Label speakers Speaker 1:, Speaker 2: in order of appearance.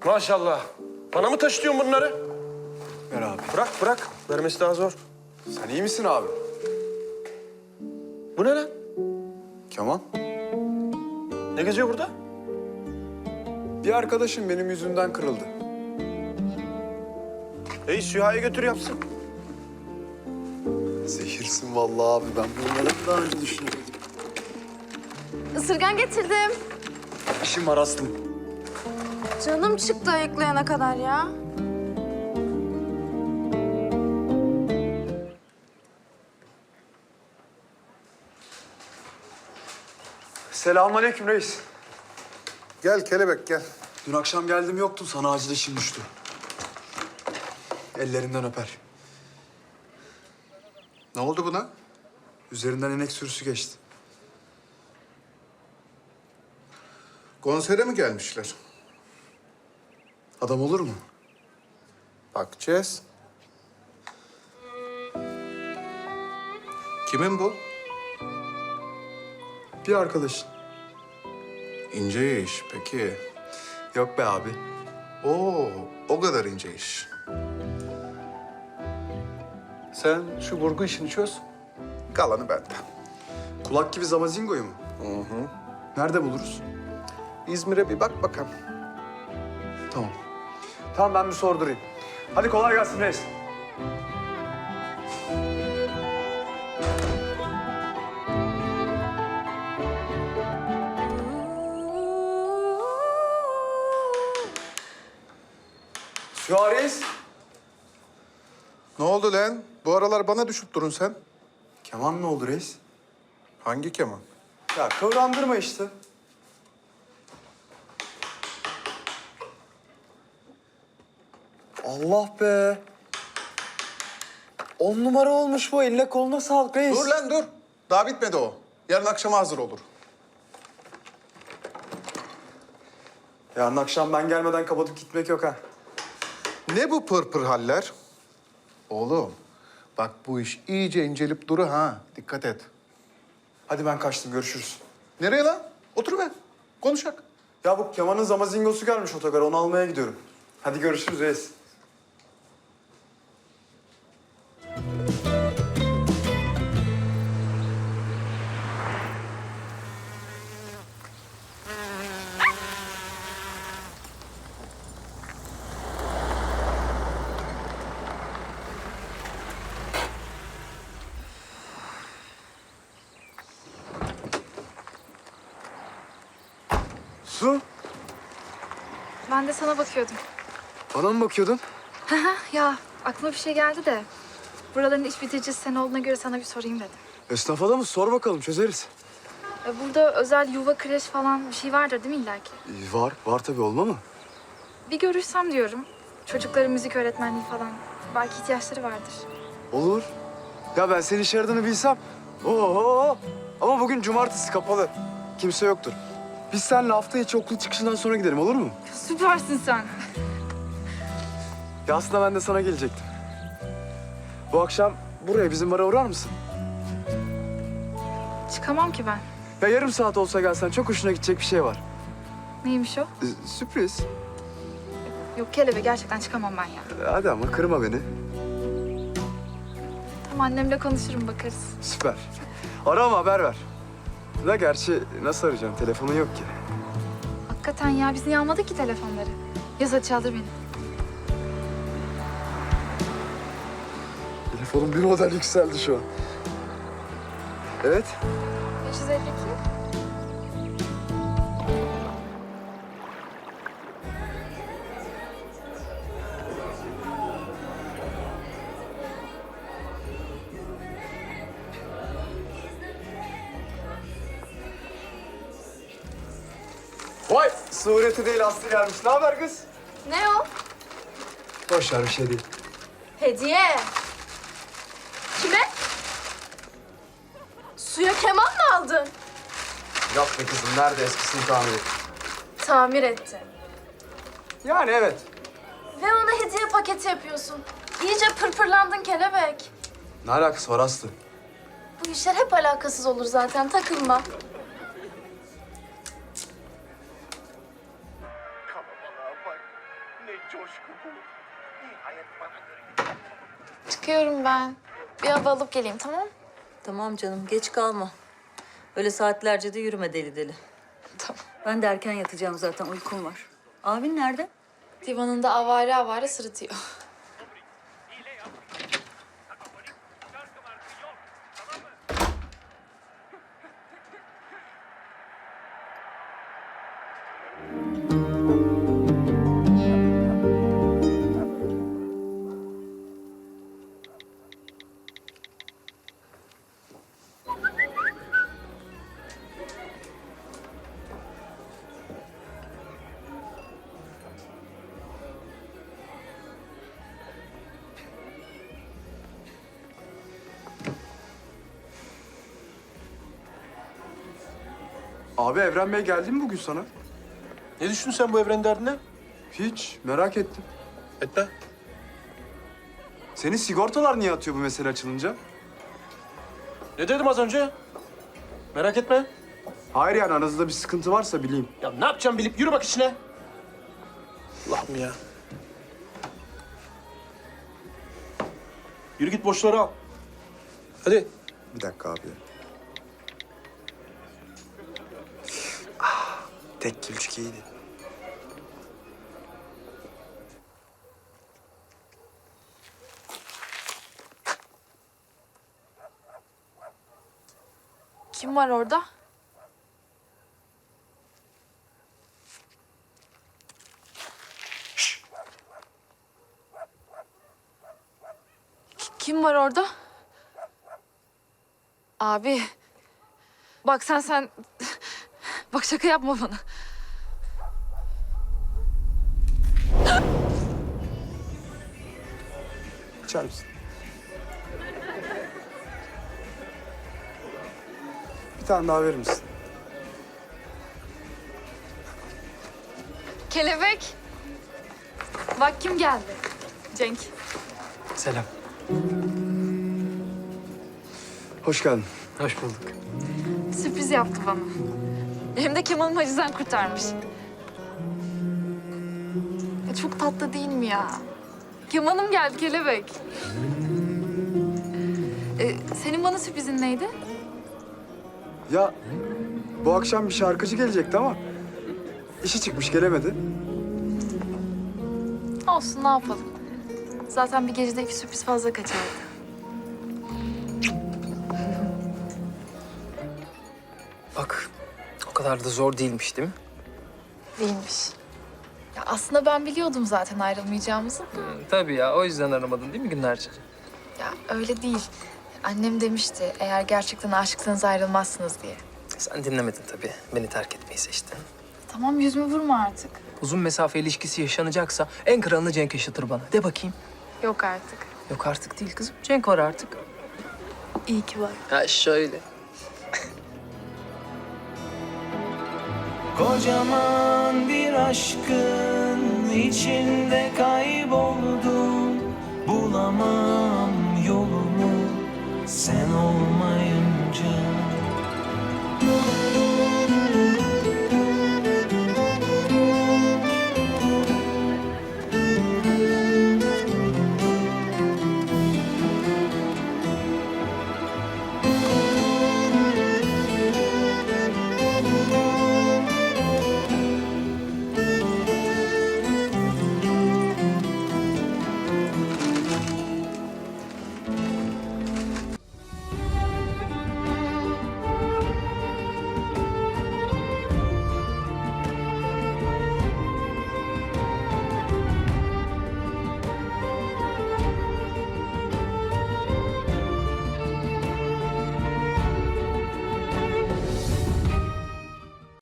Speaker 1: Maşallah. Bana mı taşıtıyorsun bunları?
Speaker 2: Ver abi.
Speaker 1: Bırak. Vermesi daha zor.
Speaker 2: Sen iyi misin abi?
Speaker 1: Bu ne lan?
Speaker 2: Kemal.
Speaker 1: Ne geziyor burada?
Speaker 2: Bir arkadaşım benim yüzümden kırıldı.
Speaker 1: Süha'ya götür yapsın.
Speaker 2: Zehirsin vallahi abi. Ben bunları daha önce düşünmedim.
Speaker 3: Isırgan getirdim.
Speaker 2: İşim var Aslım.
Speaker 3: Canım çıktı ayıklayana kadar ya.
Speaker 2: Selamünaleyküm reis.
Speaker 4: Gel kelebek gel.
Speaker 2: Dün akşam geldim yoktun. Sana acil işim düştü. Ellerinden öper.
Speaker 4: Ne oldu buna?
Speaker 2: Üzerinden inek sürüsü geçti.
Speaker 4: Konsere mi gelmişler?
Speaker 2: Adam olur mu?
Speaker 4: Bakacağız. Kimin bu?
Speaker 2: Bir arkadaşın.
Speaker 4: İnce iş peki.
Speaker 2: Yok be abi.
Speaker 4: Oo, o kadar ince iş. Sen şu vurgu işini çöz. Kalanı bende.
Speaker 2: Kulak gibi Zamazingo'yu mu? Nerede buluruz?
Speaker 4: İzmir'e bir bak bakalım.
Speaker 2: Tamam. Tamam ben bir sordurayım. Hadi kolay gelsin reis. Süha reis.
Speaker 4: Ne oldu lan? Bu aralar bana düşüp durun sen.
Speaker 2: Keman ne oldu reis?
Speaker 4: Hangi keman?
Speaker 2: Ya kıvrandırma işte. Allah be. 10 numara olmuş bu. Eline koluna sağlık reis.
Speaker 4: Dur lan dur. Daha bitmedi o. Yarın akşama hazır olur.
Speaker 2: Yarın akşam ben gelmeden kapatıp gitmek yok ha.
Speaker 4: Ne bu pırpır haller? Oğlum, bak bu iş iyice incelip duru ha. Dikkat et.
Speaker 2: Hadi ben kaçtım. Görüşürüz.
Speaker 4: Nereye lan? Otur be. Konuşak.
Speaker 2: Ya bu Keman'ın Zamazingosu gelmiş otogara. Onu almaya gidiyorum. Hadi görüşürüz reis. Su,
Speaker 3: Ben de sana bakıyordum.
Speaker 2: bana mı bakıyordun?
Speaker 3: Ya aklıma bir şey geldi de. Buraların iş bitiricisi sen olduğuna göre sana bir sorayım dedim.
Speaker 2: Esnaf adamı sor bakalım çözeriz.
Speaker 3: Burada özel yuva, kreş falan bir şey vardır değil mi illaki?
Speaker 2: Var tabii olma mı?
Speaker 3: Bir görüşsem diyorum. Çocukların müzik öğretmenliği falan. Belki ihtiyaçları vardır.
Speaker 2: Olur. Ya ben senin iş aradığını bilsem. Oo. Ama bugün cumartesi kapalı. Kimse yoktur. Biz seninle hafta içi okul çıkışından sonra gidelim olur mu?
Speaker 3: Süpersin sen.
Speaker 2: Ya aslında ben de sana gelecektim. Bu akşam buraya bizim bara uğrar mısın?
Speaker 3: Çıkamam ki ben.
Speaker 2: Ya yarım saat olsa gelsen çok hoşuna gidecek bir şey var.
Speaker 3: Neymiş o?
Speaker 2: Sürpriz.
Speaker 3: Yok kelebek gerçekten çıkamam ben ya.
Speaker 2: Hadi ama kırma beni.
Speaker 3: Tamam annemle konuşurum bakarız.
Speaker 2: Süper. Ara ama haber ver. Da gerçi nasıl arayacağım? Telefonun yok ki.
Speaker 3: Hakikaten ya biz niye almadık ki telefonları? Yaz hadi çaldır beni.
Speaker 2: Telefonum bir model yükseldi şu an. Evet.
Speaker 3: 552.
Speaker 2: Vay! Sureti değil Aslı gelmiş. Ne haber kız?
Speaker 3: Ne o?
Speaker 2: Boş ver bir şey değil.
Speaker 3: Hediye. Kime? Suya keman mı aldın?
Speaker 2: Yok be kızım. Nerede eskisini tamir et.
Speaker 3: Tamir ettin.
Speaker 2: Yani evet.
Speaker 3: Ve ona hediye paketi yapıyorsun. İyice pırpırlandın kelebek.
Speaker 2: Ne alakası var Aslı?
Speaker 3: Bu işler hep alakasız olur zaten, takılma. Çıkıyorum ben. Bir hava alıp geleyim, tamam?
Speaker 5: Tamam canım, geç kalma. Öyle saatlerce de yürüme deli deli.
Speaker 3: Tamam.
Speaker 5: Ben de erken yatacağım zaten, uykum var. Abin nerede?
Speaker 3: Divanında avare avare sırıtıyor.
Speaker 2: Abi Evren Bey geldi mi bugün sana?
Speaker 1: Ne düştün sen bu evrenin derdine?
Speaker 2: Hiç, merak ettim.
Speaker 1: Etme.
Speaker 2: Senin sigortalar niye atıyor bu mesele açılınca?
Speaker 1: Ne dedim az önce? Merak etme.
Speaker 2: Hayır yani aranızda bir sıkıntı varsa bileyim.
Speaker 1: Ya ne yapacağım bilip yürü bak içine. Allah'ım ya. Yürü git boşları al. Hadi.
Speaker 2: Bir dakika abi. Tek gülçük iyiydi.
Speaker 3: Kim var orada? Kim var orada? Abi. Bak sen... Bak şaka yapma bana.
Speaker 2: İçer misin? Bir tane daha verir misin?
Speaker 3: Kelebek. Bak kim geldi. Cenk.
Speaker 6: Selam.
Speaker 2: Hoş geldin.
Speaker 6: Hoş bulduk.
Speaker 3: Sürpriz yaptı bana. Hem de Kemal'im hacizden kurtarmış. Çok tatlı değil mi ya? Kemal'im geldi kelebek. Senin bana sürprizin neydi?
Speaker 2: Ya bu akşam bir şarkıcı gelecekti ama işi çıkmış gelemedi.
Speaker 3: Olsun ne yapalım. Zaten bir gecede 2 sürpriz fazla kaçardı.
Speaker 6: Bak, o kadar da zor değilmiş değil mi?
Speaker 3: Değilmiş. Ya aslında ben biliyordum zaten ayrılmayacağımızı.
Speaker 6: Tabii ya, o yüzden aramadın değil mi günlerce?
Speaker 3: Ya öyle değil. Annem demişti eğer gerçekten aşıksanız ayrılmazsınız diye.
Speaker 6: Sen dinlemedin tabii. Beni terk etmeyi seçtin.
Speaker 3: Tamam yüzümü vurma artık.
Speaker 6: Uzun mesafe ilişkisi yaşanacaksa en kralını Cenk yaşatır bana. De bakayım.
Speaker 3: Yok artık.
Speaker 6: Yok artık değil kızım. Cenk var artık.
Speaker 3: İyi ki var.
Speaker 6: Ha şöyle.
Speaker 7: Kocaman bir aşkın içinde kayboldum. Bulamam yolumu sen olmayınca.